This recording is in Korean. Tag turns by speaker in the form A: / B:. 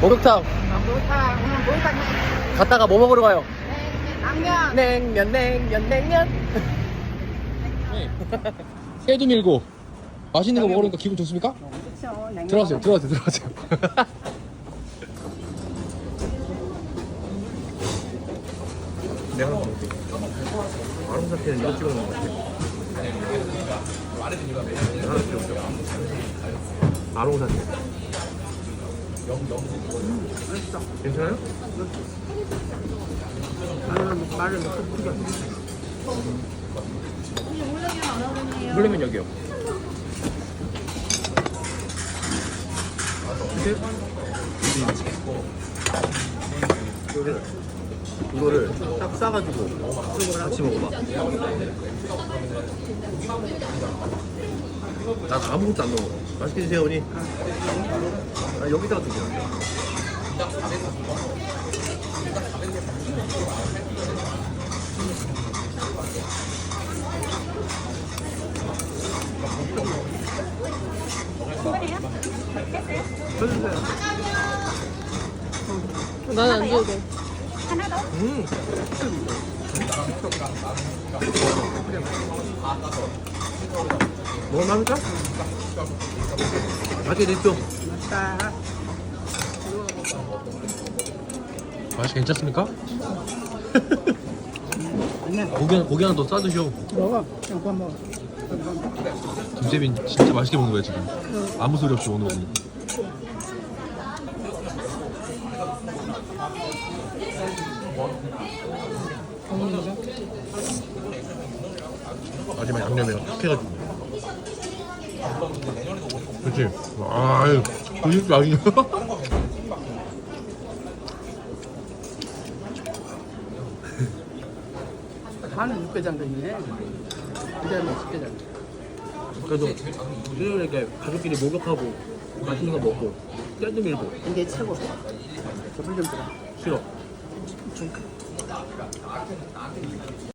A: 목욕탕
B: 목욕탕 오늘 목욕탕
A: 갔다가 뭐 먹으러 가요?
B: 냉면.
A: 냉면. 새도 밀고 맛있는 거 먹으니까 기분 좋습니까?
B: 그렇죠. 냉면.
A: 들어가세요. 내가 한번 먹을게. 마름사태는 이거 찍어 먹는 거 같아. 하나 찍어볼게요. 마름사태. 괜찮아요?
B: 말을 넣고 튀겨.
A: 물냉면 여기요. 이거를 딱 싸가지고 같이 먹어봐. 난 아무것도 안 넣어. 맛있게 드세요, 언니. 아, 여기다가 드세요.
C: 나는 안 줘도 돼.
A: 먹을만합니까? 맛있게 드십시오. 맛이 괜찮습니까? 고기 하나 더 싸드셔.
B: 먹어. 그만 먹어.
A: 김세빈 진짜 맛있게 먹는 거야 지금. 아무 소리 없이 먹는 거니. 마지막 양념이랑 탁 해가지고. 그치? 아유, 그게 맛이냐?
B: 간은 육개장전이네. 그다음에 식개장.
A: 그래도 수요일에 가족끼리 목욕하고 맛있는 거 먹고 떼도 밀고.
B: 이게 최고. 저불 좀 들어.
A: 싫어.